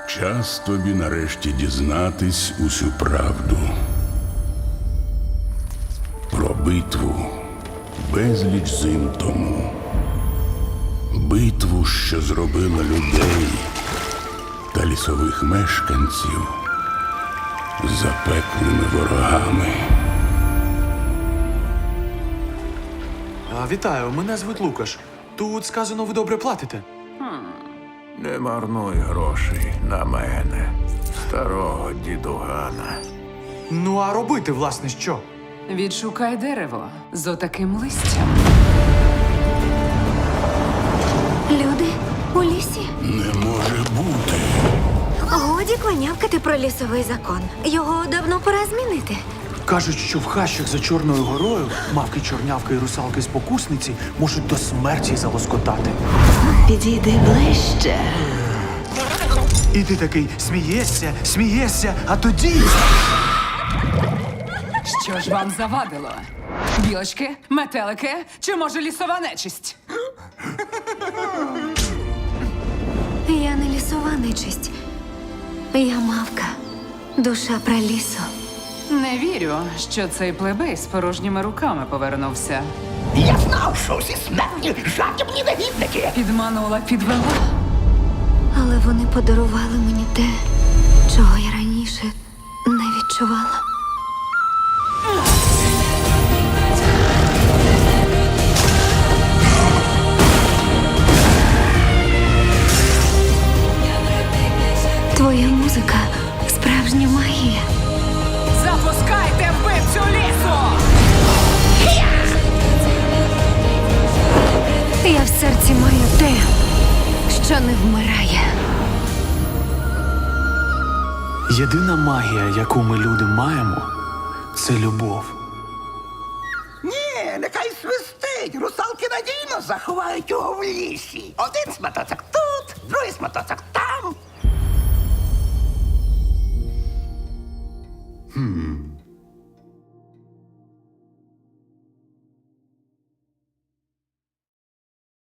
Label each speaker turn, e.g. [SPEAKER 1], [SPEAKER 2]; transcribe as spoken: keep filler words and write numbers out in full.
[SPEAKER 1] Час тобі нарешті дізнатись усю правду. Про битву безліч зим тому. Битву, що зробила людей та лісових мешканців запеклими ворогами.
[SPEAKER 2] А, вітаю, мене звуть Лукаш. Тут сказано, ви добре платите.
[SPEAKER 3] Не марнуй грошей на мене, старого дідугана.
[SPEAKER 2] Ну, а робити, власне, що?
[SPEAKER 4] Відшукай дерево з отаким листям.
[SPEAKER 5] Люди у лісі.
[SPEAKER 1] Не може бути.
[SPEAKER 5] Годі кланявкати про лісовий закон. Його давно пора змінити.
[SPEAKER 2] Кажуть, що в хащах за Чорною горою мавки, чорнявки і русалки-спокусниці можуть до смерті залоскотати.
[SPEAKER 6] Підійди ближче.
[SPEAKER 2] І ти такий смієшся, смієшся, а тоді...
[SPEAKER 4] Що ж вам завадило? Білочки, метелики чи може лісова нечисть?
[SPEAKER 5] Я не лісова нечисть. Я мавка. Душа пралісу.
[SPEAKER 4] Не вірю, що цей плебей з порожніми руками повернувся.
[SPEAKER 7] Я знав, що всі смертні жадібні негідники.
[SPEAKER 4] Підманула, підвела.
[SPEAKER 5] Але вони подарували мені те, чого я раніше не відчувала. Твоя музика – справжня магія.
[SPEAKER 4] Запускайте вбивцю лісу!
[SPEAKER 5] Я в серці маю те, що не вмирає.
[SPEAKER 2] Єдина магія, яку ми люди маємо, це любов.
[SPEAKER 7] Ні, нехай свистить. Русалки надійно заховають його в лісі. Один сматоцик тут, другий сматоцик там.